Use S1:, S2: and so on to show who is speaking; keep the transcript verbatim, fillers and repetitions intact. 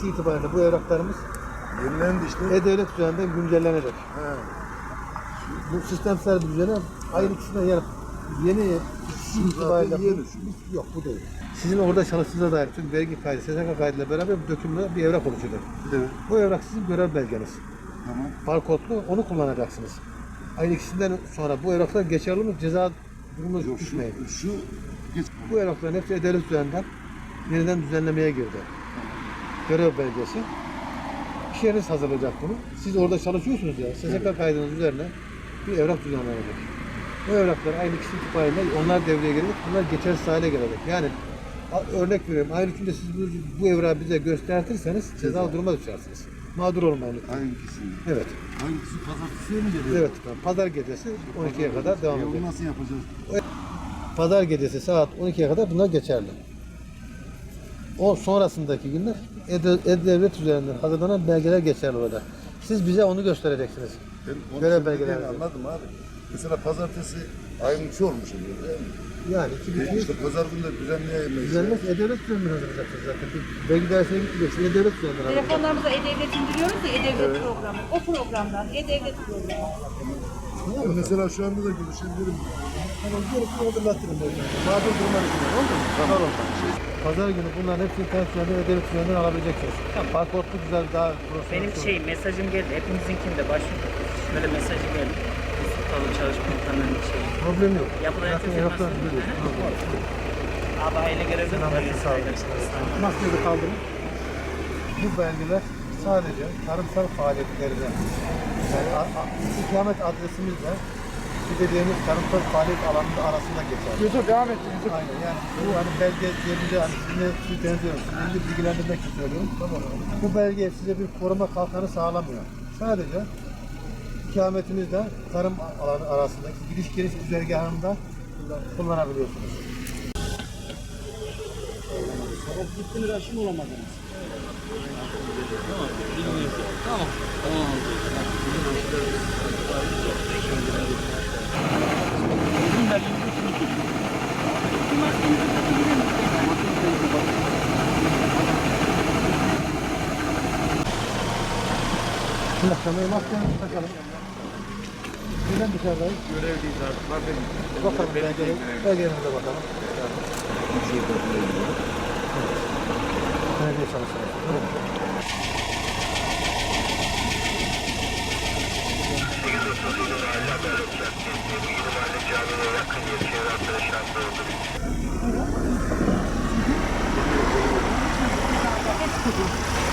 S1: ikisi itibariyle bu evraklarımız
S2: Yenilendi işte.
S1: E-Devlet üzerinden güncellenecek.
S2: He.
S1: Bu sistemsel bir düzene ayın ikisinden yani yeni ikisi itibariyle
S2: yeni.
S1: bu, yok bu değil. Sizin orada çalıştığınıza dair tüm vergi kaydı, S S K kaydıyla beraber bir dökümle bir evrak oluşacak.
S2: Evet.
S1: Bu evrak sizin görev belgeniz.
S2: Tamam.
S1: Barkodlu, onu kullanacaksınız. Ayın ikisinden sonra bu evraklar geçerli mi? Ceza durumu
S2: Yok,
S1: düşmeyin.
S2: şu, şu geç.
S1: Bu evrakların hepsi E-Devlet üzerinden yeniden düzenlemeye girdi. Görev belgesi. İş yeriniz hazırlayacak bunu. Siz orada çalışıyorsunuz ya. S S K kaydınız üzerine bir evrak düzenlenecek. Bu evraklar aynı kişi itibariyle onlar devreye girecek. Bunlar geçersiz hale gelecek. Yani a- örnek veriyorum. Aynı günde siz bu, bu evrağı bize gösterirseniz ceza duruma düşersiniz. Mağdur olmayın lütfen.
S2: Hangisi?
S1: Evet.
S2: Hangisi pazartesiye mi geliyor?
S1: Evet. Pazar gecesi on ikiye kadar devam
S2: E,
S1: edecek.
S2: onu nasıl yapacağız?
S1: Pazar gecesi saat on ikiye kadar bunlar geçerli. O sonrasındaki günler E- E-Devlet üzerinden hazırlanan belgeler geçerli olacak. Siz bize onu göstereceksiniz.
S2: Ben onu
S1: Görev
S2: şimdi
S1: belgeleri.
S2: değil, anladım abi. Mesela pazartesi ayın üçü olmuş oluyor değil mi?
S1: Yani iki
S2: E,
S1: bir
S2: işte pazar günü de düzenleyemeyiz.
S1: düzenlemez E-Devlet üzerinden hazırlayacaksınız zaten. Bir vergi dairesine gitmeyeceksiniz. E-Devlet üzerinden hazırlayacaksınız.
S3: Telefonlarımıza E-Devlet indiriyoruz ya E-Devlet programı. O programdan E-Devlet programı.
S2: Ben mesela şu anda da görüşebilirim.
S1: Tamam, gerisini hatırlatırım ben. Mağdur durumlar için. Oldu mu? Tamam. Pazar günü bunların hepsini internet üzerinden E-Devlet üzerinden alabileceksiniz. Yani barkodlu güzel daha profesyonel.
S4: Benim şey mesajım geldi. Hepimizinkinde başvurduk. Şöyle mesajı geldi. Biz tutalım çalışma ortamlarının şey.
S1: Problem yok.
S4: Yapılan
S1: Zaten
S4: herkes
S1: evraklar
S4: nasıl?
S1: biliyorsun.
S4: Abi aile görevli mi?
S1: Maskede kaldırın. Bu belgeler sadece tarımsal faaliyetlerine, yani a- a- ikamet adresimizle gideceğimiz tarımsal faaliyet alanının arasında geçer.
S5: Yusuf devam et Yusuf.
S1: Aynen yani bu hani belge diyebileceği hani sizinle sizi benziyorum, sizinle bilgilendirmek için söylüyorum. Bu belge size bir koruma kalkanı sağlamıyor. Sadece ikametinizle tarım alanı arasındaki gidiş geliş güzergahında kullanabiliyorsunuz.
S5: Gittiniz aşım olamadınız.
S1: Şimdi akşamları maskemizi takalım. Neden dışarıdayız?
S2: Görevliyiz artık. Var benim.
S1: Bakalım belgelerimize, belgelerimize bakalım. Belediye çalışıyoruz.
S3: Hepsi